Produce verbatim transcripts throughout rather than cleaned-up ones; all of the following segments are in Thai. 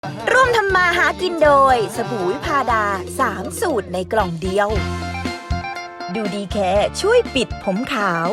ร่วมทำมาหากินโดยสบู่วิพาดาสามสูตรในกล่องเดียวดูดีแค่ช่วยปิดผมขาว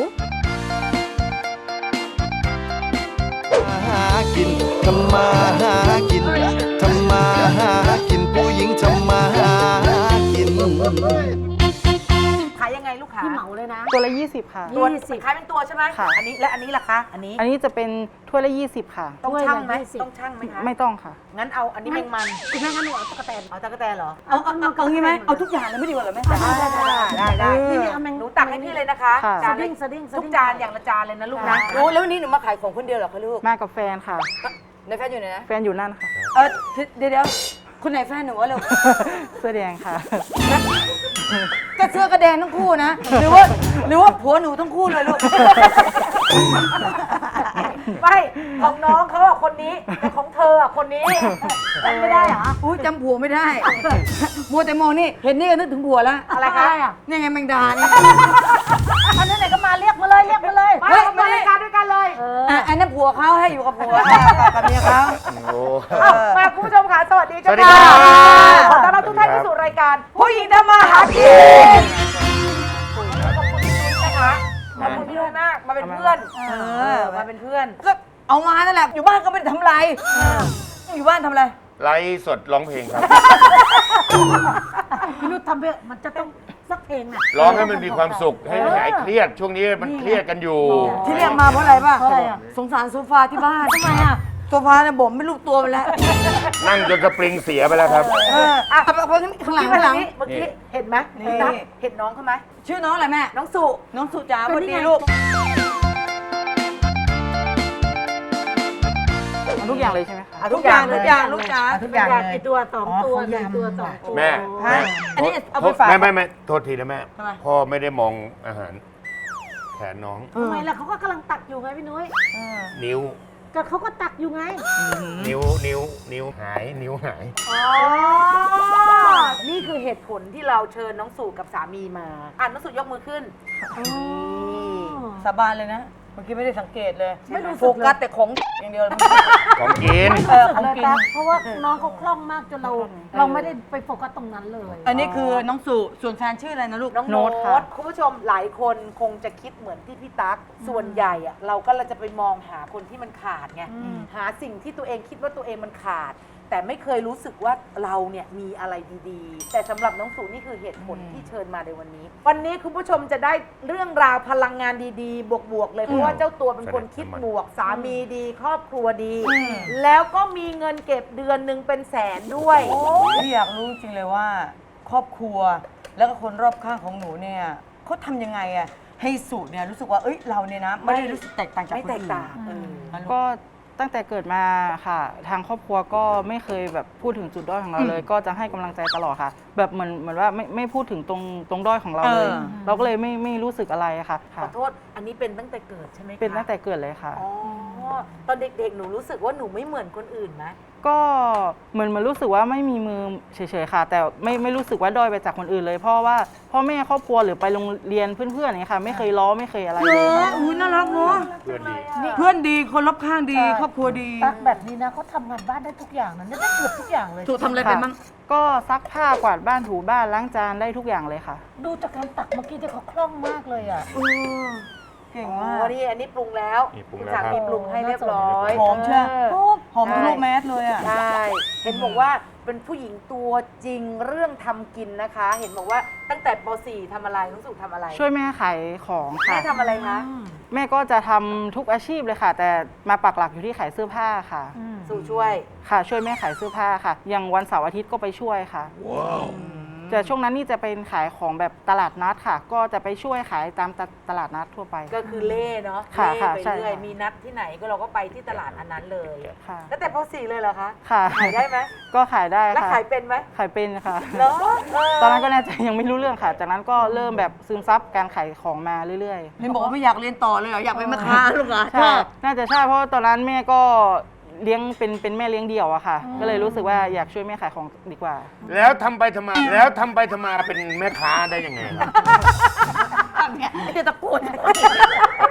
หากินทำมาหากินทำมาหากินผู้หญิงทำมาหากินขายยังไงลูกค้าพี่เหมาเลยนะตัวละยี่สิบค่ะตัวขายเป็นตัวใช่ไหมค่ะอันนี้และอันนี้ล่ะคะอันนี้อันนี้จะเป็นถ้วยละยี่สิบค่ะต้องชั่งไหมต้องชั่งไหมคะไม่ต้องค่ะงั้นเอาอันนี้แมงมันคุณแม่งั้นหนูเอาตะกแตนเอาตะกแตนเหรอเอาเอาเอางี้ไหมเอาทุกอย่างเลยไม่ดีกว่าเหรอแม่ได้ได้ได้ได้นี่นี่เอาแมงหนูตักให้พี่เลยนะคะค่ะจานสดิ้งสดิ้งสดิ้งทุกจานอย่างละจานเลยนะลูกนะรู้แล้ววันนี้หนูมาขายของคนเดียวเหรอคะลูกมากับแฟนค่ะในแฟนอยู่ไหนนะแฟนอยู่นั่นค่ะเออเดี๋ยวเดี๋ยวคุณไหนแฟนหนูวะลูกเสื้อแดงค่ะก็เสื้อกระแดงทั้งคู่นะหรือว่าหรือว่าผัวหนูทั้งคู่เลยลูกไม่ของน้องเขาอะคนนี้แต่ของเธออะคนนี้ไม่ได้เหรออุ้ยจำผัวไม่ได้มัวแต่มองนี่เห็นนี่ก็นึกถึงผัวแล้วอะไรคะนี่ไงแมงดานี่อันนั้นไหนก็มาเรียกมาเลยเรียกมาเลยเฮ้ยมารายการด้วยกันเลยอ่ะอันนั้นผัวเขาให้อยู่กับผัวกับเมียเขาเอ้ามาคุณผู้ชมค่ะสวัสดีจ้าสวัสดีครับขอต้อนรับทุกท่านเข้าสู่รายการผู้หญิงทำมาหากินขอบคุณพี่นุ้ยนะคะขอบคุณพี่นุ้ยมากมาเป็นเพื่อนเออมาเป็นเพื่อนก็เอามานั่นแหละอยู่บ้านก็ไม่ได้ทำไรอยู่บ้านทำอะไรไลฟ์สดร้องเพลงครับพี่นุ้ยทำเพื่อมันจะต้องสักเพลงน่ะร้องให้มันมีความสุขให้หายเครียด ช่วงนี้มันเครียดกันอยู่ที่เรียกมาเพราะอะไรป่ะเพราะอะไรอ่ะสงสารโซฟาที่บ้านทำไมอ่ะโซฟาเนี่ยบ่มไม่ลูกตัวไปแล้วนั่งจนกระปริงเสียไปแล้วครับเอออ่ะเอาไปข้างหลังที่ข้างหลังนี้เมื่อกี้เห็นไหมนี่เห็นนะเห็นน้องเขาไหมชื่อน้องอะไรแม่น้องสุน้องสุจ๋าสวัสดีลูกทุกอย่างเลยใช่ไหมคะอ่ะทุกอย่างทุกอย่างลูกจ๋าทุกอย่างเลยกี่ตัวสองตัวหนึ่งตัวสองตัวแม่แม่อันนี้เอาไปฝากแม่ไม่ไม่โทษทีนะแม่ทำไมพ่อไม่ได้มองอาหารแขนน้องทำไมล่ะเขาก็กำลังตักอยู่ไงพี่นุ้ยนิ้วก็เขาก็ตักอยู่ไงนิ้วนิ้วนิ้วหาย นิ้วหายอ๋อ นี่คือเหตุผลที่เราเชิญน้องสู่กับสามีมา อ่านน้องสู่ยกมือขึ้นสาบานเลยนะเมื่อกี้ไม่ได้สังเกตเลยไม่รู้สึกเลยโฟกัสแต่ของอย่างเดียวเลยของกินเออของกินเพราะว่าน้องเขาคล่องมากจนเรา เราไม่ได้ไปโฟกัสตรงนั้นเลยอันนี้คือน้องสุส่วนแฟนชื่ออะไรนะลูกน้องโน้ตคุณผู้ชมหลายคนคงจะคิดเหมือนที่พี่ตั๊ก ส่วนใหญ่อะเราก็เราจะไปมองหาคนที่มันขาดไง หาสิ่งที่ตัวเองคิดว่าตัวเองมันขาด แต่ไม่เคยรู้สึกว่าเราเนี่ยมีอะไรดีๆ แต่สำหรับน้องสูนี่คือเหตุผลที่เชิญมาในวันนี้ วันนี้คุณผู้ชมจะได้เรื่องราวพลังงานดีๆ บวกๆเลยเพราะว่าเจ้าตัวเป็นคนคิดบวกสามีดี ครอบครัวดี แล้วก็มีเงินเก็บเดือนหนึ่งเป็นแสนด้วยพี่อยากรู้จริงเลยว่า ครอบครัวแล้วก็คนรอบข้างของหนูเนี่ยเขาทำยังไงอะให้สูตรเนี่ยรู้สึกว่าเอ้ยเราเนี่ยนะไม่ได้รู้สึกแตกต่างจากไม่คนแตกอื่นต่างเออก็ตั้งแต่เกิดมาค่ะ ทางครอบครัวก็ไม่เคยแบบพูดถึงจุดด้อยของเราเลย ก็จะให้กำลังใจตลอดค่ะ แบบเหมือนเหมือนว่าไม่ไม่พูดถึงตรงตรงด้อยของเราเลยเออเราก็เลยไม่ไม่รู้สึกอะไรค่ะขค่ะอโทษ อันนี้เป็นตั้งแต่เกิดใช่ไหมคะเป็นตั้งแต่เกิดเลยค่ะอ๋อ ตอนเด็กๆ หนูรู้สึกว่าหนูไม่เหมือนคนอื่นไหมก็เหมือนมันรู้สึกว่าไม่มีมือเฉยๆค่ะ แต่ไม่ไม่รู้สึกว่าด้อยไปจากคนอื่นเลย เพราะว่าพ่อแม่ครอบครัวหรือไปโรงเรียนเพื่อนๆอย่างเงี้ยค่ะ ไม่เคยล้อไม่เคยอะไรเนเลยอะค่ะอุ้ยน่ารักเนาะเพื่อนดีเพื่อนดีคนรอบข้างดี ครอบครัวดีตักแบบนี้นะเขาทำงานบ้านได้ทุกอย่างนะได้เกือบทุกอย่างเลยถูกทำอะไรเป็นบ้างก็ซักผ้ากวาดบ้านถูบ้านล้างจานได้ทุกอย่างเลยค่ะดูจากการตักเมื่อกี้ที่เขาคล่องมากเลยอ่ะเก่งอ๋มากอนี่อันนี้ปรุงแล้วนี่ปรุงคุณแล้วสาครับมีปรุงให้เรียบร้อยหอมเชียวอหอมทะลุแมสเลยอ่ะใช่ เห็นบอกว่าเป็นผู้หญิงตัวจริงเรื่องทำกินนะคะ เห็นบอกว่าตั้งแต่ป .สี่ ทำอะไรรู้สึกทำอะไรช่วยแม่ขายของค่ะแม่ทำอะไรคะแม่ก็จะทำทุกอาชีพเลยค่ะ แต่มาปักหลักอยู่ที่ขายเสื้อผ้าค่ะสู่ช่วยค่ะ ช่วยแม่ขายเสื้อผ้าค่ะ อย่างวันเสาร์อาทิตย์ก็ไปช่วยค่ะแต่ช่วงนั้นนี่จะเป็นขายของแบบตลาดนัดค่ะ ก็จะไปช่วยขายตามตตลาดนัดทั่วไปก็คือเล่เนาะค่ะเล่ค่ะไปใช่เรื่อยค่ะมีนัดที่ไหนก็เราก็ไปที่ตลาดอันนั้นเลยค่ะแล้วแต่ป .สี่ เลยเหรอคะค่ะขายได้ไหมก็ขายได้แล้วค่ะขายเป็นไหมขายเป็นค่ะเหรอเตอนนั้นก็น่าจะยังไม่รู้เรื่องค่ะ จากนั้นก็เริ่มแบบซึมซับการขายของมาเรื่อยๆเห็นบอกว่าไม่อยากเรียนต่อเลยเหรอ อยากเป็นแม่ค้าลูกเหรอชใช่อบน่าจะใช่ เพราะว่าตอนนั้นแม่ก็เลี้ยงเป็นเป็นแม่เลี้ยงเดี่ยวอะค่ะ ก็เลยรู้สึกว่าอยากช่วยแม่ขายของดีกว่าแล้วทำไปทำไมแล้วทำไปทำไมาเป็นแม่ค้าได้ยังไงครับเนี่ยไม่ได้ตะโกน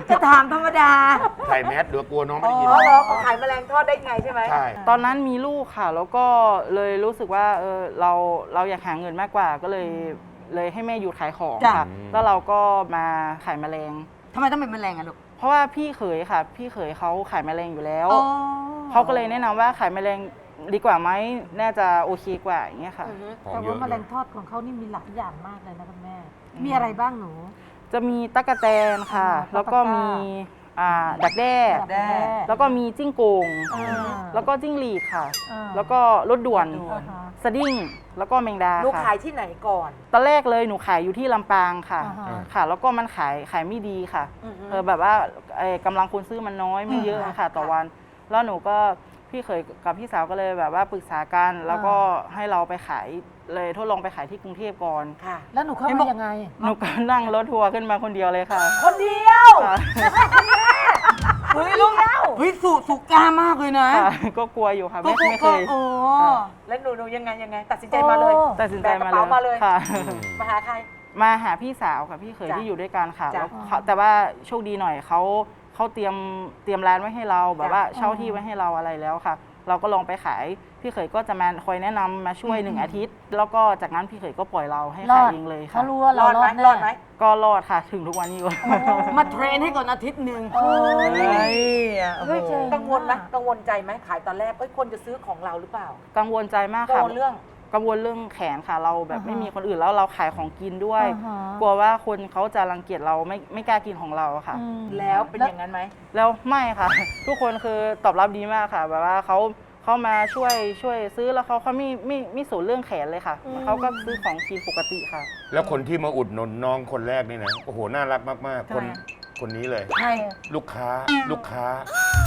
จะถามธรรมดาใส่แมสเดี๋ยวกลัวน้องไม่ได้ยินอ๋อเหรอเขาขายแมลงทอดได้ไงใช่ไหมใช่ตอนนั้นมีลูกค่ะ แล้วก็เลยรู้สึกว่าเออเราเราอยากหาเงินมากกว่าก็เลยเลยให้แม่หยุดขายของจ้ะค่ะ แล้วเราก็มาขายแมลงทำไมต้องเป็นแมลงอะลูกเพราะว่าพี่เขยค่ะ พี่เขยเขาขายแมลงอยู่แล้วอ๋อเขาก็เลยแนะนำว่าขายแมลงดีกว่าไหมน่าจะโอเคกว่าอย่างเงี้ยค่ะของแต่เยว่าอะแมลงทอดของเขานี่มีหลายอย่างมากเลยนะคุณแม่ มีอะไรบ้างหนูจะมีตั๊กแตนค่ะอ่าแล้วก็มีอ่าดักแด้ดักแด้แล้วก็มีจิ้งโกงอ่าแล้วก็จิ้งหรีดค่ะอ่าแล้วก็รถด่วนอ่าฮะสดิ้ง แล้วก็แมงดาลูกค่ะขายที่ไหนก่อนตอนแรกเลยหนูขายอยู่ที่ลำปางค่ะอ่าฮะค่ะ แล้วก็มันขายขายไม่ดีค่ะอือฮึเออแบบว่าเอ่อกำลังคนซื้อมันน้อยไม่เยอะค่ะ ต่อวัน แล้วหนูก็พี่เคยกับพี่สาวก็เลยแบบว่าปรึกษากัน แล้วก็ให้เราไปขายเลยทดลองไปขายที่กรุงเทพก่อนค่ะแล้วหนูเข้าเห็นบมาอกยังไงหนูก็นั่งรถทัวร์ขึ้นมาคนเดียวเลยค่ะคนเดียวค่ะเฮ้ยลูกเฮ้ยสุสุกล้ามากเลยนะค่ะก็กลัวอยู่ค่ะก็ไม่ไม่เคยโอ้ค่ะแล้วหนูหนูยังไงยังไง ตัดสินใจมาเลยโอ้ตัดสินใจแบกกมาระเลเป๋าย มาเลยค่ะมาหาใครมาหาพี่สาวกับพี่เขยจ้ะที่อยู่ด้วยกันค่ะจ้ะแล้วเขาแต่ว่าโชคดีหน่อยเขาเขาเตรียมเตรียมร้านไว้ให้เราแบบจ้ะว่าเช่าที่ไว้ให้เราอะไรแล้วค่ะ เราก็ลองไปขายพี่เขยก็จะมาคอยแนะนำมาช่วยหนึ่งอาทิตย์ แล้วก็จากนั้นพี่เขยก็ปล่อยเราให้รขาอย ดเองเลยเขาค่ะรู้ว่าเรารอดรอไหมดแน่รอดไหมก็รอดค่ะถึงทุกวันนี้ก็มาเทรนให้ก่อนอาทิตย์หนึ่งโอ้ยเฮ้ยอ่ะโอ้โหเฮ้ยเจ๋งกังวลไหมกังวลใจไหมขายตอนแรกเอ้ยคนจะซื้อของเราหรือเปล่ากังวลใจมากกังค่ะวลเรื่องกังวลเรื่องแขนค่ะเราแบบอ่าฮะไม่มีคนอื่นแล้วเราขายของกินด้วยอ่าฮะกลัวว่าคนเขาจะรังเกียจเราไม่ไม่กล้ากินของเราค่ะอืมแล้วเป็นอย่างนั้นไหมแล้วไม่ค่ะ ทุกคนคือตอบรับดีมากค่ะ แบบว่าเขาเขามาช่วยช่วยซื้อแล้วเขาเขาไม่ไม่ไม่สนเรื่องแขนเลยค่ะเขาก็ซื้อของกินปกติค่ะแล้วคนที่มาอุดหนุนน้องคนแรกนี่นะ โอ้โห น่ารักมาก ๆ คน คนนี้เลยใช่ลูกค้า ลูกค้า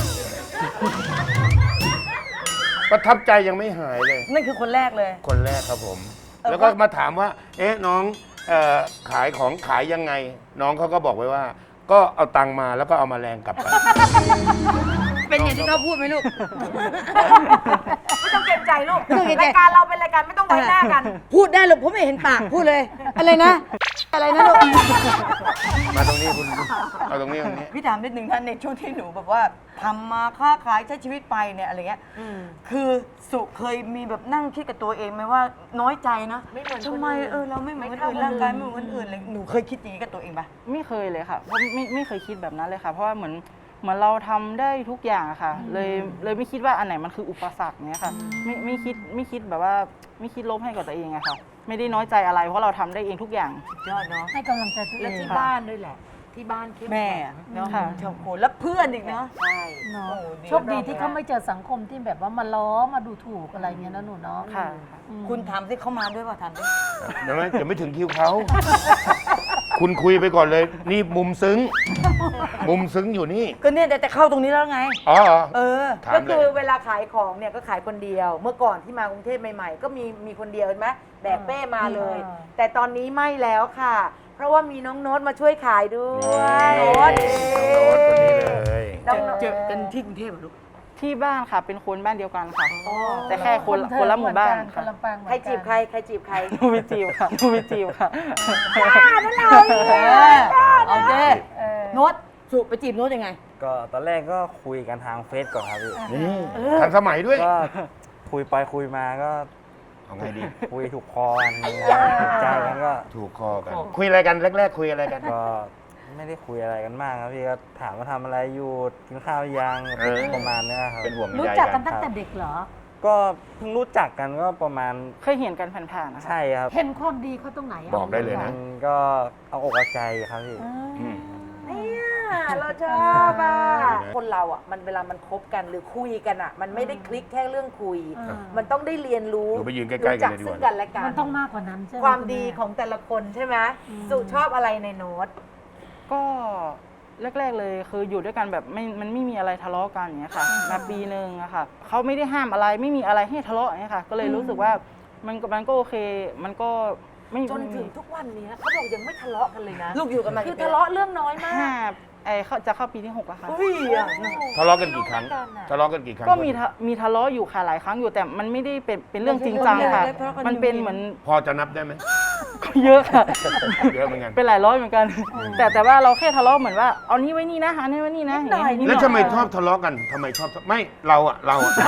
ประทับใจยังไม่หายเลยนั่นคือคนแรกเลยคนแรกครับผมเออแล้วก็มาถามว่า เอ๊ะ น้องเอ่อขายของขายยังไง น้องเขาก็บอกไว้ว่า ก็เอาตังค์มาแล้วก็เอามาแรงกลับไปเป็นอย่างที่เขาพูดไหมลูกไม่ต้องเกรงใจลูกไม่ต้องเกรงใจรายการเราเป็นรายการไม่ต้องไว้หน้ากันพูดได้หรอกผมไม่เห็นปากพูดเลย อะไรนะ อะไรนะลูกมาตรงนี้คุณเอาตรงนี้ตรงนี้พี่ถามนิดนึงนะในช่วงที่หนูแบบว่าทำมาค้าขายใช้ชีวิตไปเนี่ยอะไรเงี้ยคือสุเคยมีแบบนั่งคิดกับตัวเองไหมว่าน้อยใจนะไม่เหมือนคนทำไมอื่นเออเราไม่เหมือนคนไม่อื่นเท่าร่างกายคนอื่นไม่เหมือนคนอื่นเลยหนูเคยคิดอย่างนี้กับตัวเองปะไม่เคยเลยค่ะเพราะไม่ไม่เคยคิดแบบนั้นเลยค่ะ เพราะว่าเหมือนเหมือนเราทำได้ทุกอย่างอะค่ะ เลยเลยไม่คิดว่าอันไหนมันคืออุปสรรคเนี้ยค่ะ ไม่ไม่คิดไม่คิดแบบว่าไม่คิดลบให้กับตัวเองอะค่ะ ไม่ได้น้อยใจอะไรเพราะเราทำได้เองทุกอย่างยอดเนาะให้กำลังใจตัวเอและงที่ค่ะบ้านด้วยแหละ ที่บ้านเข้มแม่แข็งเนาะค่ะชาวโคนแล้วเพื่อนอีกเนาะใช่เนาะโอ้ดีโชคดีที่เขาไม่เจอสังคมที่แบบว่ามาล้อมาดูถูกอะไรเงี้ยนะหนูเนาะค่ะอืมคุณถามสิเขามาด้วยป่ะถามสิเดี๋ยวไม่เดี๋ยวไม่ถึงคิวเขา คุณคุยไปก่อนเลย นี่มุมซึ้ง มุมซึ้งอยู่นี่ก็เนี่ยแต่แต่เข้าตรงนี้แล้วไงอ๋อเหรอเออถามก็เลคือย เวลาขายของเนี่ยก็ขายคนเดียว เมื่อก่อนที่มากรุงเทพใหม่ๆ ก็มีมีคนเดียวเห็นไหมแบกเป้มาเลยอ่าแต่ตอนนี้ไม่แล้วค่ะ เพราะว่ามีน้องโน้ตมาช่วยขายด้วยโน้ตน้องโน้ตคนนี้เลยน้องเจโน้อตกันที่กรุงเทพเหรอลูกที่บ้านค่ะเป็นคนบ้านเดียวกันค่ะอ๋อแต่แค่คนคนละหมู่บ้านคค่ะนละปางเหมือนใครกันจีบใครใครจีบใครหนูไม่จีบค่ะหนูไม่จีบค่ะเออเอาเด้เออโน้ตสุไปจีบโน้ตยังไงก็ตอนแรกก็คุยกันทางเฟซก่อนครับพี่นี่ทันสมัยด้วยก็คุยไปคุยมาก็เอาไงดีคุยถูกคอกันถูกใจกันก็ถูกคอกัน คุยอะไรกันแรก ๆ คุยอะไรกันก็ไม่ได้คุยอะไรกันมากครับพี่ก็ถามว่าทำอะไรอยู่กินข้าวยังเออประมาณเนี้ยครับเป็นห่วงรู้ใยจักกักัน นตั้งแต่เด็กเหรอก็เพิ่งรู้จักกันก็ประมาณเคยเห็นกันผ่านๆนะคะใช่ครับเห็นความดีเขาตรงไหนะบอกได้เลยมันะนก็เอาอกเอาใจครับพี่อืมเนี่ยเราชอบอ่ะคนเราอ่ะมันเวลามันคบกันหรือคุยกันอ่ะ มันไม่ได้คลิกแค่เรื่องคุยอ่ามันต้องได้เรียนรู้หนูไปยืนใกล้ๆกันเลยดีกว่ารู้จัซึ่งกันและกันมันต้องมากกว่านั้นใช่ไหมความณดีแของแต่ละคนใช่ไหมสุชอบอะไรในโน้ตก็แรกๆเลยคืออยู่ด้วยกันแบบไม่มันไม่มีอะไรทะเลาะกันอย่างเงี้ยค่ะมาปีหนึ่งอะค่ะเขาไม่ได้ห้ามอะไรไม่มีอะไรให้ทะเลาะอย่างเงี้ยค่ะ ก็เลยรู้สึกว่ามันก็มันก็โอเค มันก็ไม่จนถึงทุกวันนี้เขาบอกยังไม่ทะเลาะกันเลยนะลูกอยู่กันมาคือกี่ปีทะเลาะเรื่องน้อยมาห้าก ไอเขาจะเข้าปีที่หกแล้วค่ะอุ้ยอ่ะทะเลาะกันกี่ครั้ง ทะเลาะกันกี่ครั้งก็มีทะมีทะเลาะอยู่ค่ะหลายครั้งอยู่แต่มันไม่ได้เป็นเป็นเรื่องจริงจังค่ะ มันเป็นเหมือนพอจะนับได้ไหมก็เยอะค่ะเยอะเหมือนกันเป็นหลายร้อยเหมือนกัน แต่แต่ว่าเราแค่ทะเลาะเหมือนว่าเอานี้ไว้นี่นะอันนี้ไว้นี่นะอย่างเงี้ยนิดหแล้วน่อยทำไมชอบทะเลาะกันทำไมชอบไม่เราอะเราอะ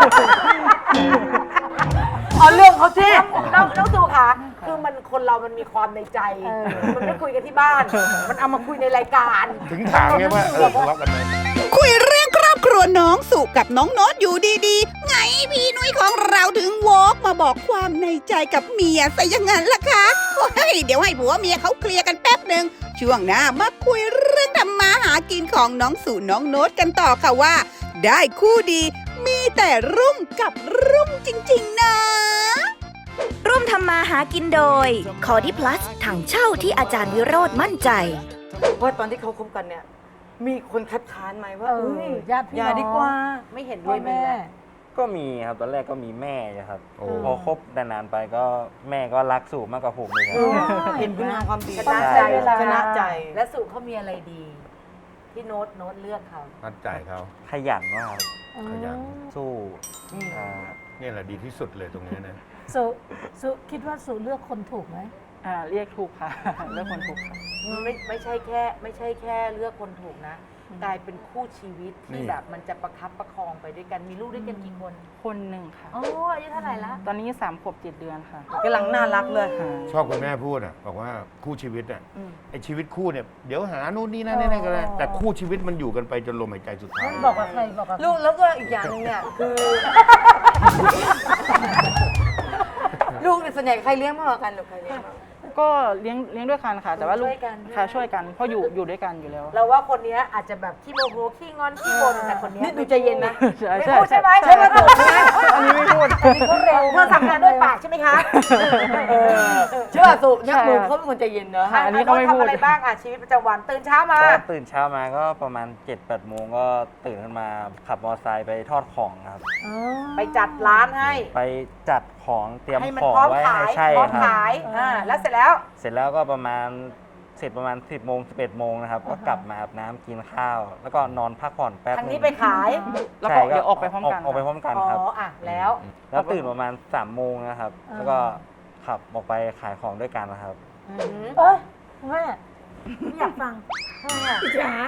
เอาเรื่องเขาสิน้องน้องตู่ค่ะคือมันคนเรามันมีความในใจ มันไม่คุยกันที่บ้าน มันเอามาคุยในรายการถึงถามไงว่าเออทะเลาะกันไหมคุยเรื่องครอบครัวน้องสุกับน้องโน้ตอยู่ดีๆ ไงพี่นุ้ยของเราถึงวอกมาบอกความในใจกับเมียซะอย่างนั้นล่ะคะโอ้ยเดี๋ยวให้ผัวเมียเขาเคลียร์กันแป๊บหนึ่งช่วงหน้ามาคุยเรื่องทำมาหากินของน้องสุน้องโน้ตกันต่อค่ะว่า ได้คู่ดีมีแต่รุ่งกับรุ่งจริงๆนะร่วมทำมาหากินโดย คอดิพลัสถังเช่าที่อาจารย์วิโรธมั่นใจว่าตอนที่เขาคบกันเนี่ย มีคนคัดค้านไหมว่าเออเอ้ยญาติพี่อย่าน้องดีกว่าไม่เห็นด้พ่วอยไหมแม่ล่ะก็มีครับตอนแรกก็มีแม่นะครับโอ้พอคบนานๆไปก็แม่ก็รักสู่มากกว่าผมเลยครับเห็นคุณงามความดีชนะใจชนะใจและสุเขามีอะไรดี ที่โน้ตโน้ตเลือกเขามัดใจเขาขยันมากครับขยันสู้อ่าเนี่ยแหละดีที่สุดเลยตรงนี้นะสุสุคิดว่าสุเลือกคนถูกไหมอ่าเรียกถูกค่ะ เรียกคนถูกค่ะไม่ไม่ใช่แค่ ไม่ใช่แค่เลือกคนถูกนะ กลายเป็นคู่ชีวิตนี่ที่แบบมันจะประคับประคองไปด้วยกันมีลูกด้วยกันกี่คนคนหนึ่งค่ะโอ้อายุเท่าไหร่ละตอนนี้สามขวบเจ็ดเดือนค่ะกำลังน่ารักเลยชอบคุณแม่พูดอ่ะบอกว่าคู่ชีวิตอ่ะไอชีวิตคู่เนี่ยเดี๋ยวหานู่นนี่นั่นนี่นั่นก็ได้แต่คู่ชีวิตมันอยู่กันไปจนลมหายใจสุดท้ายบอกกับใครบอกกับใครลูกแล้วก็อีกอย่างหนึงเนี่ยคือ ลูกเนี่ยส่วนใหญ่ใครเลี้ยงมากกว่ากันหรือใครเลี้ยงมากก็เลี้ยงเลี้ยงด้วยกันค่ะ แต่ว่าลูกช่วยกันค่ะช่วยกันเพราะอยู่อยู่ด้วยกันอยู่แล้วเราว่าคนเนี้ยอาจจะแบบขี้โมโหขี้งอนขี้บ่นแต่คนเนี้ยนี่ดูใจเย็นนะใช่ไม่ใช่พูดใช่ไหมใช่ใช่ไหมถูกใช่ไหมอันนี้ไม่พูดอันนี้เขาเร็วเธอทำงานด้วยปากใช่ไหมคะเชื่อสุเนี่ยใช่หนูเขาเป็นคนใจเย็นเนอะค่ะ อันนี้เขาไม่พูดทำอะไรบ้างอ่ะชีวิตประจำวันตื่นเช้ามาก็ตื่นเช้ามาก็ประมาณเจ็ดแปดโมงก็ตื่นขึ้นมาขับมอเตอร์ไซค์ไปทอดของครับไปจัดร้านให้ไปจัดของเตรียมให้มันของพร้อมไว้ขาให้ยใช่พร้อมครับขายอ่าแล้วเสร็จแล้วเสร็จแล้วก็ประมาณเสร็จประมาณสิบโมงสิบเอ็ดโมงนะครับ ก็กลับมาอาบน้ำกินข้าว แล้วก็นอนพักผ่อนแป๊บทางนึนี้งไปขายแล้วก็เดี๋ยวออกไปพร้อมกันออกไปพร้อมกันอ๋อครับอ่ะแล้วแล้วตื่นประมาณสามโมงนะครับ แล้วก็ขับออกไปขายของด้วยกันนะครับเอ้ยแม่ไม่อยากฟังทำไมอ่ะจ๋า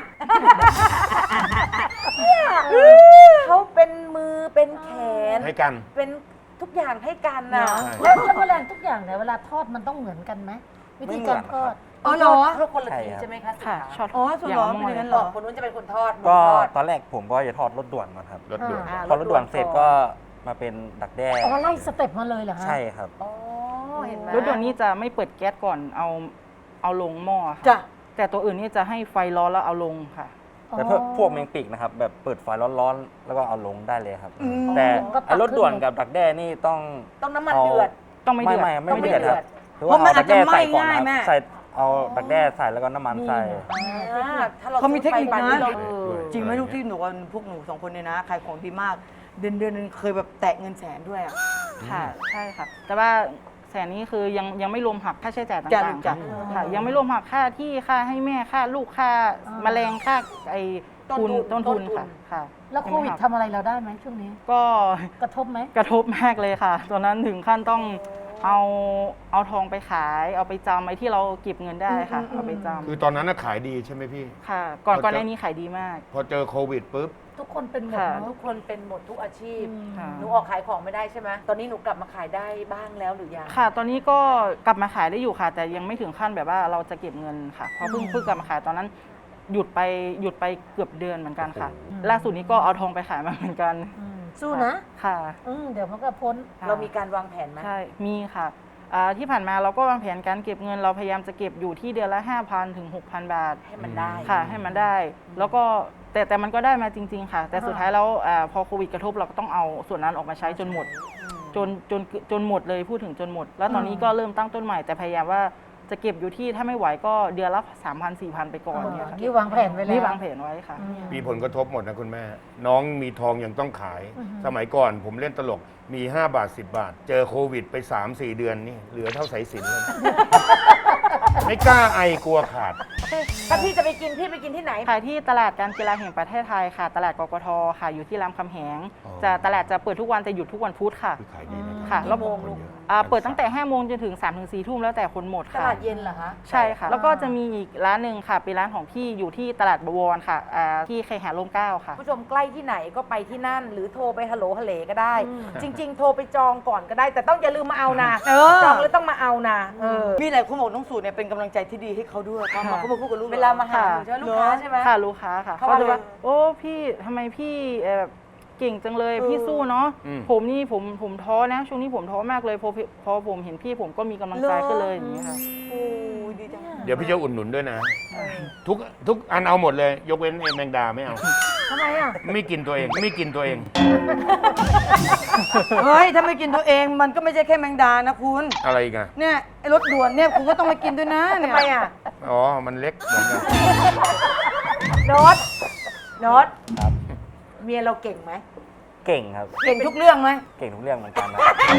เขาเป็นมือเป็นแขนให้กันเป็นทุกอย่างให้กันนะแล้วแล้วแมลงทุกอย่างเนี่ยเวลาทอดมันต้องเหมือนกันไหมวิธีการทอดอ๋อเหรอเพื่อคนละทีใช่ครับใช่ไหมคะค่ะช็อตอ๋อสุดเหรออย่างเป็นอย่างนั้นมเหรบออกคนนู้นจะเป็นคนทอดก็มือทอดตอนแรกผมก็จะทอดรถด่วนก่อนครับรถด่วนอ่าพอรถด่วนเสร็จก็มาเป็นดักแด้อ๋อไล่สเต็ปมาเลยเหรอฮะใช่ครับอ๋อเห็นไหมรถด่วนนี้จะไม่เปิดแก๊สก่อนเอาเอาลงหม้อค่ะจ้ะแต่ตัวอื่นนี่จะให้ไฟร้อนแล้วเอาลงค่ะแต่พวกพวกแมงปีกนะครับ แบบเปิดไฟร้อนๆแล้วก็เอาลงได้เลยครับอืมแต่ก็ตักไอ้รถด่วนขึ้นกับดักแด้นี่ต้องต้องน้ำมันเอาเดือดต้องไม่เดือดไม่ไม่ต้องไม่ไม่เดือดครับเดือดหรือว่าเพราะมันเอาดักแด้อาจจะไหม้ใส่ก่อนง่ายนะแม่ใส่เอาดักแด้ใส่แล้วก็น้ำมันใส่อ่าถ้าเราเขามีเทคนิคซื้อไปนะบ้าเราเออจริงไหมลูกที่หนูว่าพวกหนูสองคนเนี่ยนะขายของดีมาก เดือนเดือนหนึงเคยแบบแตะเงินแสนด้วยอ่ะค่ะใช่ค่ะ แต่ว่าแสนนี้คือยังยังไม่รวมหักค่าใช้จ่ายจ้ะต่างจ้ะๆค่ะ ยังไม่รวมหักค่าที่ค่าให้แม่ค่าลูกค่าแมลงค่าไอ้ทุนต้นทุนค่ะค่ะแล้วโควิดยังไม่หักทำอะไรเราได้ไหมช่วงนี้ก็กระทบไหมกระทบมากเลยค่ะ ตอนนั้นถึงขั้นต้องเอาเอาทองไปขาย เอาไปจำไอ้ที่เราเก็บเงินได้ค่ะ เอาไปจคือตอนนั้นน่ะขายดีใช่ไหมพี่ำค่ะ ก่อนพอก่อนจะหน้านี้ขายดีมากพอเจอโควิดปุ๊บทุกคนเป็นหมดค่ะเนทุอะกคนเป็นหมดทุกอาชีพค่ะหนูออกขายของไม่ได้ใช่ไหมตอนนี้หนูกลับมาขายได้บ้างแล้วหรือยังค่ะ ตอนนี้ก็กลับมาขายได้อยู่ค่ะ แต่ยังไม่ถึงขั้นแบบว่าเราจะเก็บเงินค่ะ เพราะเพิ่งเพิ่งกลับมาขายตอนนั้น หยุดไปหยุดไปเกือบเดือนเหมือนกันค่ะ ล่าสุดนี้ก็เอาทองไปขายมาเหมือนกันอืมสู้นะค่ะอืมเดี๋ยวมันก็พ้นค่ะเรามีการวางแผนไหมใช่ มีค่ะอ่าที่ผ่านมาเราก็วางแผนการเก็บเงิน เราพยายามจะเก็บอยู่ที่เดือนละ ห้าพัน ถึง หกพัน บาทให้มันได้ค่ะ ให้มันได้ แล้วก็แต่แต่มันก็ได้มาจริง ๆ ค่ะ แต่สุดท้ายแล้วอาพอโควิดกระทบเราก็ต้องเอาส่วนนั้นออกมาใช้จนหมด จนจนจนหมดเลยพูดถึงจนหมด แล้วตอนนี้ก็เริ่มตั้งต้นใหม่แต่พยายามว่าจะเก็บอยู่ที่ถ้าไม่ไหวก็เดือนละ สามพัน สี่พัน ไปก่อนเนี่ยค่ะนี่วางแผนไว้แล้วนี่วางแผนไว้ค่ะมีผลกระทบหมดนะคุณแม่ น้องมีทองยังต้องขาย สมัยก่อนผมเล่นตลกมี ห้า บาท สิบ บาท เจอโควิดไป สามสี่ เดือนนี่เหลือเท่าสายสิญจนเลย ไม่กล้าไอกลัวขาดถ้าพี่จะไปกินพี่ไปกินที่ไหนขายที่ตลาดการกีฬาแห่งประเทศไทยค่ะ ตลาดกกทค่ะ อยู่ที่รามคำแหงอ๋อจะตลาดจะเปิดทุกวันแต่หยุดทุกวันพุธค่ะคือขายดีนะค่ะแล้วโมงลูกอ่าเปิดตั้งแต่ห้าโมงจนถึงสามถึงสี่ทุ่มแล้วแต่คนหมดตค่ะลาดเย็นเหรอคะใช่ค่ะ แล้วก็จะมีอีกร้านหนึ่งค่ะ เป็นร้านของพี่อยู่ที่ตลาดบวรค่ะอ่าที่เคหะร่มเกล้าค่ะผู้ชมใกล้ที่ไหนก็ไปที่นั่น หรือโทรไปฮัลโหลฮัลเลก็ได้ จริง ๆ โทรไปจองก่อนก็ได้ แต่ต้องอย่าลืมมาเอานะเออจองแล้วต้องมาเอานะเออมีหลายคนบอกน้องสูเนี่ยเป็นกำลังใจที่ดีให้เขาด้วยเขามาเขามาพูดกับลูกเวลามาหาหนูใช่ไหมลูกค้าใช่ไหมค่ะลูกค้าค่ะเขาเขาจะว่าว่าโอ้พี่ทำไมพี่เอ่อแบบเก่งจังเลยเออพี่สู้เนาะอืมผมนี่ผมผมท้อนะ ช่วงนี้ผมท้อมากเลยพอพอผมเห็นพี่ผมก็มีกำลังใจขึ้นเลยอย่างนี้ยค่ะโอ้ยดีจังเดี๋ยวพี่จะอุดหนุนด้วยนะ ทุกทุกอันเอาหมดเลย ยกเว้นไอ้แมงดาไม่เอาทำไมอ่ะไม่กินตัวเอง ไม่กินตัวเองเฮ้ย ถ้าไม่กินตัวเองมันก็ไม่ใช่แค่แมงดานะคุณอะไรอีกันเนี่ยไอ้รถด่วนเนี่ยคุณก็ต้องมากินด้วยนะทำเนี่ยไมอ่ะอ๋อ มันเล็กเหมือนกันโน้ตโน้ตครับเมียเราเก่งไหมเก่งครับเก่งทุกเรื่องไหมเก่งทุกเรื่องเหมือนกันนะ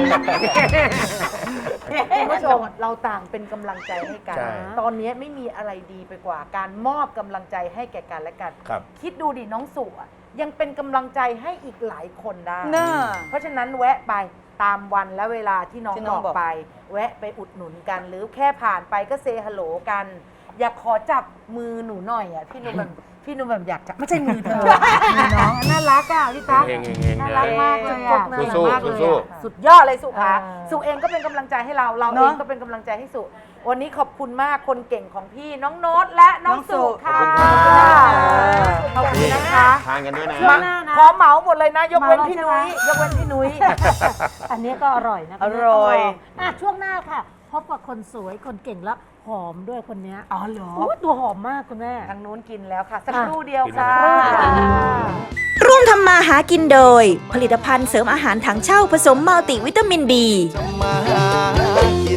คุณผู้ชมเราต่างเป็นกำลังใจให้กันใช่ตอนนี้ไม่มีอะไรดีไปกว่า การมอบกำลังใจให้แก่กันและกันครับคิดดูดิน้องสุอะยังเป็นกำลังใจให้อีกหลายคนได้น่าเพราะฉะนั้นแวะไปตามวันและเวลาที่น้องที่บน้องอกบอกไป แวะไปอุดหนุนกัน หรือแค่ผ่านไปก็เซฮัลโหลกัน อยากขอจับมือหนูหน่อยอ่ะพี่หนุ่มแบบพี่หนุ่มแบบอยากจับไม่ใช่มือเธอมือน้องน่ารักอ่ะพี่ตั๊กเองเองเองน่ารักมากเลยอ่ะสู้สู้น่ารักมากเลยสู้อะสุดยอดเลยสุค่ะเออสุเองก็เป็นกำลังใจให้เราเราเนเออะงก็เป็นกำลังใจให้สุวันนี้ขอบคุณมากคนเก่งของพี่น้องโน้ตและน้องสุค่ะขอบคุณครับขอบคุณนะคะทานกันด้วยนะมาขอเหมาหมดเลยนะ ยกเว้นพี่นุ้ยยกเว้นพี่นุ้ยอันนี้ก็อร่อยนะอร่อยอ่ะช่วงหน้าค่ะ พบกับคนสวยคนเก่งแล้วหอมด้วยคนเนี้ยอ๋อเหรออุ๊ยตัวหอมมากคุณแม่ทางนู้นกินแล้วค่ะ สักครู่เดียวค่ะร่วมทำมาหากินโดย ผลิตภัณฑ์เสริมอาหารถังเช่าผสมมัลติวิตามินบีทำมาหากิน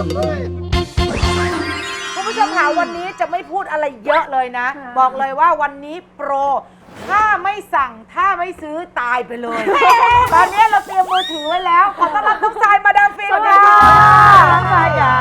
คุณผู้ชมค่ะวันนี้จะไม่พูดอะไรเยอะเลยนะ บอกเลยว่าวันนี้โปร ถ้าไม่สั่งถ้าไม่ซื้อตายไปเลย ตอนนี้เราเตรียมมือถือไว้แล้ว ขอต้อนรับน้องทรายมาดามฟินค่ะน้องทรายจ๋า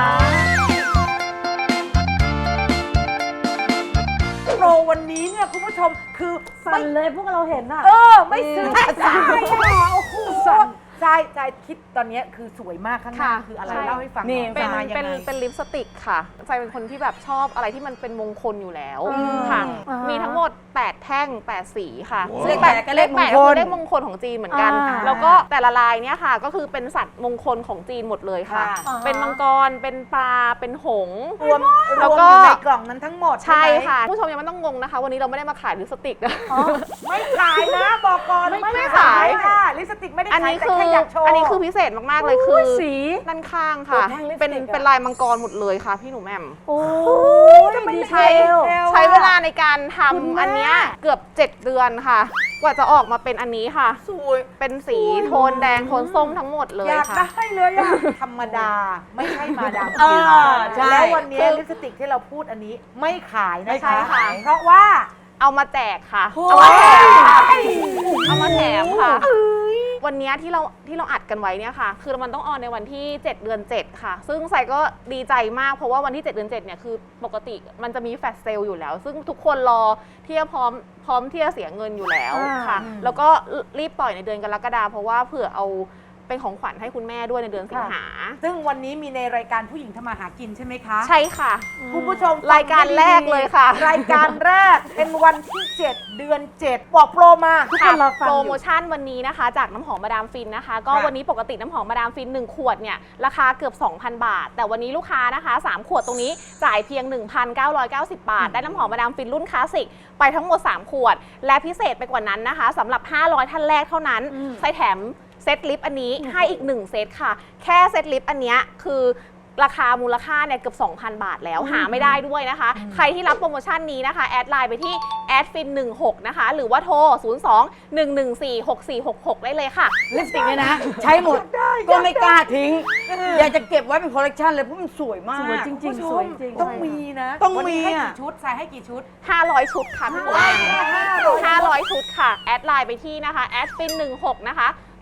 โปรวันนี้เนี่ยคุณผู้ชมคือสั่นเลยพวกเราเห็นอ่ะเออ ไม่ซื้อทรายอ่ะโอ้โหทรายทรายคิดตอนนี้คือสวยมากข้างหน้าค่ะคืออะไรใช่เล่าให้ฟังหนี่น่อยเป็นมายังเป็นไงเป็นลิปสติกค่ะใจเป็นคนที่แบบชอบอะไรที่มันเป็นมงคลอยู่แล้วอืมค่ะอ่ามีมีทั้งหมด แปด แท่ง แปด สีค่ะเลขแปดแปดก็เลขมงคลแปดก็คือเลขมงคลของจีนเหมือนกันอ่าแล้วก็แต่ละลายเนี่ยค่ะ ก็คือเป็นสัตว์มงคลของจีนหมดเลยค่ะค่ะเป็นมังกร เป็นปลา เป็นหงส์รวมรแล้ววมก็อยู่ในกล่องนั้นทั้งหมดใช่ไหมค่ะ ผู้ชมยังไม่ต้องงงนะคะ วันนี้เราไม่ได้มาขายลิปสติกนะไม่ขายนะบอกก่อนไม่ไม่ไม่ขายขายค่ะลิปสติกไม่ได้อันขายนี้แต่คือแค่อยากโชว์อันนี้คือพิเศษมากๆเลยคือสีด้านข้างค่ะโอ้แท่งลิปสติกเป็นอะเป็นลายมังกรหมดเลยค่ะพี่หนูแหม่มโอ้ยทำไมดีใช้เทลใช้เวลาในการทคุณแม่ำอันเนี้ยเกือบ เจ็ด เดือนค่ะ กว่าจะออกมาเป็นอันนี้ค่ะสวยเป็นสีโทนแดงโทนส้มทั้งหมดเลยอยากค่ะได้เลยอะธรรมดาไม่ใช่มาดามเอฟินอใช่แล้ววันนี้คือลิปสติกที่เราพูดอันนี้ไม่ขายนะไม่ใช่คะค่ะเพราะว่าเอามาแจกค่ะโอ้เอามาแถมค่ะยเอามาแถมค่ะ วันเนี้ยที่เราที่เราอัดกันไว้เนี่ยค่ะ คือมันต้องออนในวันที่ เจ็ด เดือน เจ็ด ค่ะ ซึ่งใส่ก็ดีใจมากเพราะว่าวันที่ เจ็ด เดือน เจ็ด เนี่ยคือปกติมันจะมีแฟลชเซลล์อยู่แล้ว ซึ่งทุกคนรอที่จะพร้อมพร้อมที่จะเสียเงินอยู่แล้วค่ะ แล้วก็รีบปล่อยในเดือนกรกฎาคมเพราะว่าเผื่อเอาเป็นของขวัญให้คุณแม่ด้วยในเดือนสิงหาซึ่งวันนี้มีในรายการผู้หญิงทำมาหากินใช่ไหมคะใช่ค่ะคุณผู้ชมรายการแรกเลยค่ะรายการแรกเป็นวันที่ เจ็ด เดือน เจ็ด บอกโปรมาทุกคนรอฟังโปรอยู่โมชั่นวันนี้นะคะ จากน้ำหอมมาดามฟินนะคะ ก็ค่ะวันนี้ปกติน้ำหอมมาดามฟินหนึ่งขวดเนี่ยราคาเกือบ สองพัน บาท แต่วันนี้ลูกค้านะคะสามขวดตรงนี้จ่ายเพียง หนึ่งพันเก้าร้อยเก้าสิบ บาท ได้น้ำหอมมาดามฟินรุ่นคลาสสิกไปทั้งหมดสามขวด และพิเศษไปกว่านั้นนะคะสำหรับห้าร้อยท่านแรกเท่านั้นใส่แถมเซตลิปอันนี้ให้อีกหนึ่งเซตค่ะ แค่เซตลิปอันเนี้ยคือราคามูลค่าเนี่ยเกือบ สองพัน บาทแล้วหาไม่ได้ด้วยนะคะ ใครที่รับโปรโมชั่นนี้นะคะแอดไลน์ไปที่แอดฟินหนึ่งหกนะคะหรือว่าโทร ศูนย์ สอง หนึ่ง หนึ่ง สี่ หก สี่ หก หก ได้เลยค่ะลิปสติกเนี่ยนะ ใช้หมดก็ไม่กล้าทิ้ง อยากจะเก็บไว้เป็นคอลเลกชันเลยเพราะมันสวยมากสวยจริงคุณผู้ชๆ สวยมจริงต้องมีนะต้องวันนี้มีให้อะกี่ชุดใส่ให้กี่ชุดห้าร้อยชุดค่ะพี่หมูห้าร้อยห้าร้อยชุดค่ะ แอดไลน์ไปที่นะคะแอดฟินหนึ่งหกนะคะ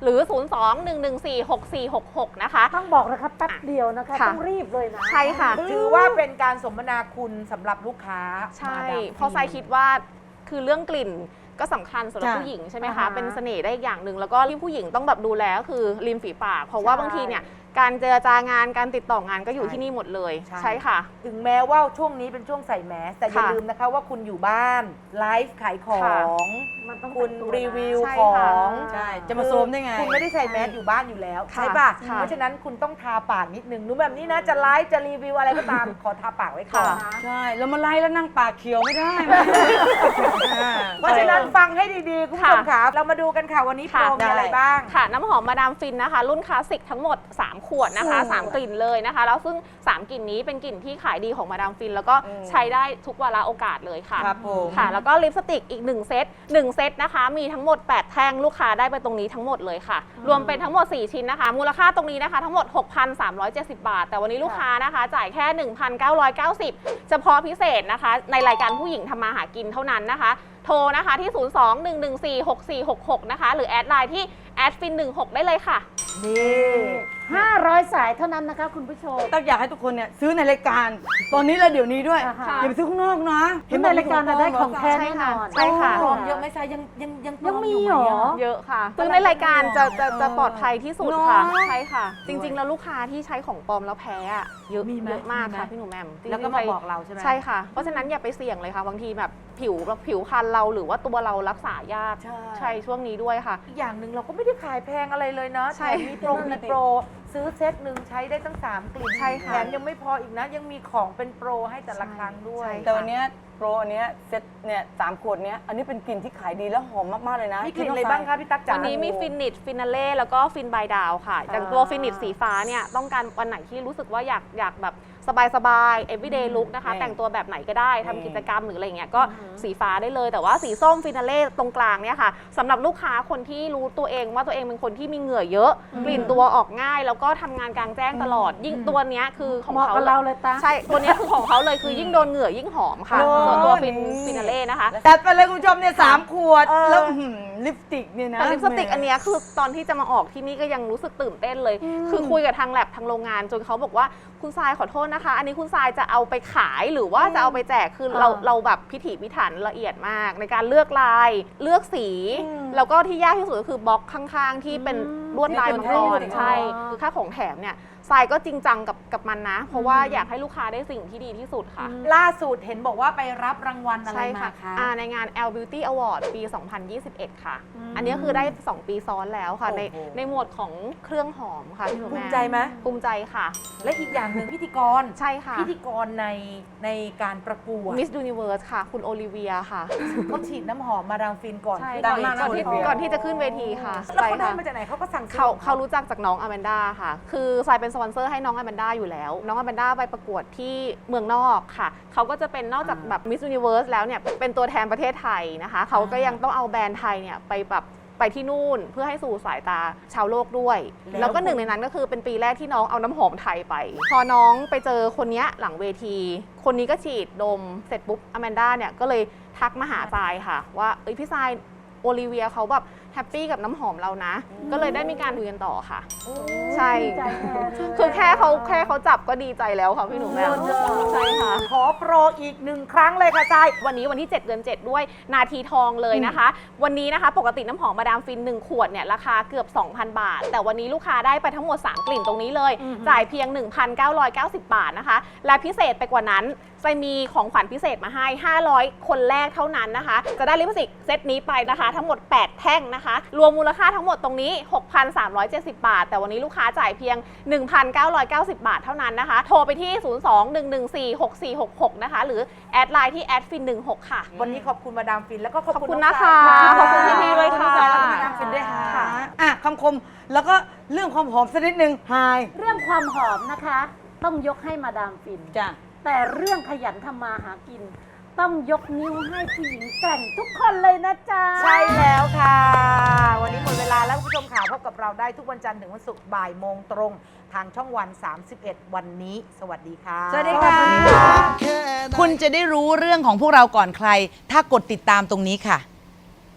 หรือ ศูนย์ สอง หนึ่ง หนึ่ง สี่ หก สี่ หก หก นะคะต้องบอกนะคะแป๊บเดียวนะคะค่ะต้องรีบเลยนะใช่ค่ะถือว่าเป็นการสมนาคุณสำหรับลูกค้าใช่มาดามเพราะทรายคิดว่าคือเรื่องกลิ่นก็สำคัญสำหรับจ้ะผู้หญิงใช่ไหมอ่าคะฮะเป็นเสน่ห์ได้อีกอย่างหนึ่งแล้วก็ที่ผู้หญิงต้องแบบดูแลก็คือริมฝีปาก เพราะว่าใช่บางทีเนี่ยการเจรจางานการติดต่องานก็อยู่ที่นี่หมดเลยใช่ใช่ค่ะถึงแม้ว่าช่วงนี้เป็นช่วงใส่แมสแต่อย่าค่ะลืมนะคะว่าคุณอยู่บ้านไลฟ์ขายขอค่ะงมันต้องคุณแต่งตัวนะรีวิวใช่ขอค่ะงใช่จะมาโซมได้ไงคุณไม่ได้ใส่แมสอยู่บ้านอยู่แล้วค่ะใช่ป่ะค่ะเพราะฉะนั้นคุณต้องทาปากนิดนึงหนูแบบนี้นะจะไลฟ์จะรีวิวอะไรก็ตาม ขอทาปากไว้ก่อนค่ะใช่แล้วมาไล่แล้วนั่งปากเขียวไม่ได้เพราะฉะนั้นฟังให้ดีๆ คุณผู้ชมค่ะค่ะเรามาดูกันค่ะวันนี้โปรค่ะมีอะไรบ้างค่ะ น้ำหอมมาดามฟินนะคะ รุ่นคลาสสิกทั้งหมด สาม ขวดนะคะ สาม กลิ่นเลยนะคะ แล้วซึ่ง สาม กลิ่นนี้เป็นกลิ่นที่ขายดีของมาดามฟิน แล้วก็อืมใช้ได้ทุกวาระโอกาสเลยค่ะครับผมค่ะ แล้วก็ลิปสติกอีก หนึ่ง เซตหนึ่งเซตนะคะ มีทั้งหมด แปด แท่งลูกค้าได้ไปตรงนี้ทั้งหมดเลยค่ะ รวมเป็นทั้งหมด สี่ ชิ้นนะคะ มูลค่าตรงนี้นะคะ ทั้งหมด หกพันสามร้อยเจ็ดสิบ บาท แต่วันนี้ลูกค้านะคะ จ่ายแค่ หนึ่งพันเก้าร้อยเก้าสิบ เฉพาะพิเศษนะคะ ในรายการผู้หญิงทำมาหากินเท่านั้นนะคะ โทรนะคะที่ ศูนย์ สอง หนึ่ง หนึ่ง สี่ หก สี่ หก หก นะคะ หรือแอดไลน์ที่แอดฟินหนึ่งหกได้เลยค่ะนี่ห้าร้อยสายเท่านั้นนะคะคุณผู้ชมตักอยากให้ทุกคนเนี่ยซื้อในรายการ ตอนนี้และเดี๋ยวนี้ด้วยอ่าฮะอย่าไปซื้อข้างนอกนะเห็นในรายการน่ะได้ของแท้ใช่แน่นค่ะอนใช่ค่ะปลอมเยอะไหมซายยังยังยังปลยังอมียู่เหรอไมะเยอะค่ะซึ่งในรายการจะจะจะปลอดภัยที่สุดค่ะเนอะใช่ค่ะ จริง ๆ แล้วลูกค้าที่ใช้ของปลอมแล้วแพ้อะเยอะมีไหมเยอะมากมีไหมค่ะพี่หนูแหมมจริงๆแล้วก็มาใครบอกเราใช่ไหมใช่ค่ะ เพราะฉะนั้นอย่าไปเสี่ยงเลยค่ะบางทีแบบผิวผิวพรรณเราหรือว่าตัวเรารักษายากใช่ใช่ช่วงนี้ด้วยค่ะอีกอย่างหนึ่งเราก็ไม่ได้ขายแพงอะไรเลยเนาะใช่แถมมีโปรมีโปรซื้อเซตหนึ่งใช้ได้ตั้งสามกลิ่นใช่ค่ะแถมยังไม่พออีกนะ ยังมีของเป็นโปรให้แต่ละครั้งด้วยใช่แต่วันเนี้ยโปรอันเนี้ยเซ็ตเนี่ยสามขวดเนี้ยอันนี้เป็นกลิ่นที่ขายดีและหอมมาก ๆ เลยนะมีกลิ่นอะไรบ้างคะพี่ตั๊กจ๋าวันนี้มีฟินิชฟินาเล่แล้วก็ฟินบายดาวค่ะอย่างตัวฟินิชสีฟ้าเนี่ยต้องการวันไหนที่รู้สึกว่าอยากอยากแบบสบายๆ everyday look นะคะนี่แต่งตัวแบบไหนก็ได้ทำนี่กิจกรรมหรืออะไรเงี้ยก็สีฟ้าได้เลย แต่ว่าสีส้มฟินาเล่ตรงกลางเนี่ยค่ะสำหรับลูกค้าคนที่รู้ตัวเองว่าตัวเองเป็นคนที่มีเหงื่อเยอะ กลิ่นตัวออกง่าย แล้วก็ทำงานกลางแจ้งตลอด ยิ่งตัวเนี้ยคือของเหมาะเขากับเราเลยตาใช่ตัวเนี้ยคือของเขาเลยคือยิ่งโดนเหงื่อยิ่งหอมค่ะโอ้ส่วนตัวฟินนี่ฟินาเล่นะคะจัดไปเลยคุณผู้ชมเนี่ยสามขวดเออแล้วอื้อหือลิปสติกเนี่ยนะแต่ลิปสติกอันเนี้ยคือตอนที่จะมาออกที่นี่ก็ยังรู้สึกตื่นเต้นเลย คือคุยกับทางแลบทางโรงงานจนเขาบอกว่าคุณทรายขอโทษนะคะ อันนี้คุณทรายจะเอาไปขายหรือว่าจะเอาไปแจกคือเราอ่าเราแบบพิถีพิถันละเอียดมาก ในการเลือกลายเลือกสี แล้วก็ที่ยากที่สุดก็คือบล็อกข้างๆ ที่เป็นลวดลายมังกรใช่คือค่าของแถมเนี่ยทรายก็จริงจังกับกับมันนะ เพราะว่าอยากให้ลูกค้าได้สิ่งที่ดีที่สุดค่ะล่าสุดเห็นบอกว่าไปรับรางวัลอะไรใช่มาค่ะคะอ่าในงาน แอล Beauty Award ปี สองพันยี่สิบเอ็ด ค่ะ อันนี้คือได้ สอง ปีซ้อนแล้วค่ะ ในโอ้โหในหมวดของเครื่องหอมค่ะพี่หนูภูแม่มิใจไหมภูมิใจค่ะและอีกอย่างหนึ่งพิธีกรใช่ค่ะพิธีกรในในการประกวด Miss Universe ค่ะ คุณโอลิเวียค่ะเขาฉีดน้ำหอมมาดามฟินก่อนใช่ขึ้นดังก่อนมากนะก่อนที่โอลิเวียก่อนที่จะขึ้นเวทีค่ะแล้วเขาใช่ได้ค่ะมาจากไหนเขาก็สั่งซื้อเขาของเขารู้จักจากน้องอแมนด้าค่ะ คือทรายเป็นสปอนเซอร์ให้น้องอแมนด้าอยู่แล้ว น้องอแมนด้าไปประกวดที่เมืองนอกค่ะ เขาก็จะเป็นนอกจากแบบ Miss Universe แล้วเนี่ย เป็นตัวแทนประเทศไทยนะคะ เขาก็ยังต้องเอาแบรนด์ไทยเนี่ยไปแบบไปที่นู่นเพื่อให้สู่สายตาชาวโลกด้วย แล้วก็หนึ่งในนั้นก็คือเป็นปีแรกที่น้องเอาน้ำหอมไทยไป พอน้องไปเจอคนเนี้ยหลังเวที คนนี้ก็ฉีดดมเสร็จปุ๊บอแมนด้าเนี่ยก็เลยทักมาหาทรายค่ะ ว่าเอ้ยพี่ทรายโอลิเวียเขาแบบแฮปปี้กับน้ำหอมเรานะ ก็เลยได้มีการคุยกันต่อค่ะ ใช่ดีใจแทนคือแค่เขาแค่เขาจับก็ดีใจแล้วค่ะพี่หนูแม่ใช่ค่ะขอโปรอีกหนึ่งครั้งเลยค่ะทรายวันนี้วันที่ เจ็ด เดือน เจ็ด ด้วยนาทีทองเลยนะคะ วันนี้นะคะ ปกติน้ำหอมมาดามฟิน หนึ่ง ขวดเนี่ยราคาเกือบ สองพัน บาท แต่วันนี้ลูกค้าได้ไปทั้งหมด สาม กลิ่นตรงนี้เลย จ่ายเพียง หนึ่งพันเก้าร้อยเก้าสิบ บาทนะคะ และพิเศษไปกว่านั้นจะมีของขวัญพิเศษมาให้ ห้าร้อย คนแรกเท่านั้นนะคะ จะได้ลิปสติกเซตนี้ไปนะคะ ทั้งหมด แปด แท่งนะคะ รวมมูลค่าทั้งหมดตรงนี้ หกพันสามร้อยเจ็ดสิบ บาท แต่วันนี้ลูกค้าจ่ายเพียง หนึ่งพันเก้าร้อยเก้าสิบ บาทเท่านั้นนะคะ โทรไปที่ ศูนย์ สอง หนึ่ง หนึ่ง สี่ หก สี่ หก หก นะคะ หรือแอดไลน์ที่แอดฟินหนึ่งหกค่ะวันนี้ขอบคุณมาดามฟินแล้วก็ขอบขอบคุณคุณน้องนะคะทรายขอบคุณพี่ๆด้วยค่ะขอบคุณมาดามฟินด้วยค่ะอ่ะคำคมแล้วก็เรื่องความหอมสักนิดนึงไฮเรื่องความหอมนะคะ ต้องยกให้มาดามฟินจ้ะแต่เรื่องขยันทำมาหากิน ต้องยกนิ้วให้ผู้หญิงแกร่งทุกคนเลยนะจ๊ะใช่แล้วค่ะ วันนี้หมดเวลาแล้วคุณผู้ชมค่ะพบกับเราได้ทุกวันจันทร์ถึงวันศุกร์บ่ายโมงตรง ทางช่องวัน สามสิบเอ็ด วันนี้ สวัสดีค่ะสวัสดีค่ะแค่ไหนคุณจะได้รู้เรื่องของพวกเราก่อนใคร ถ้ากดติดตามตรงนี้ค่ะ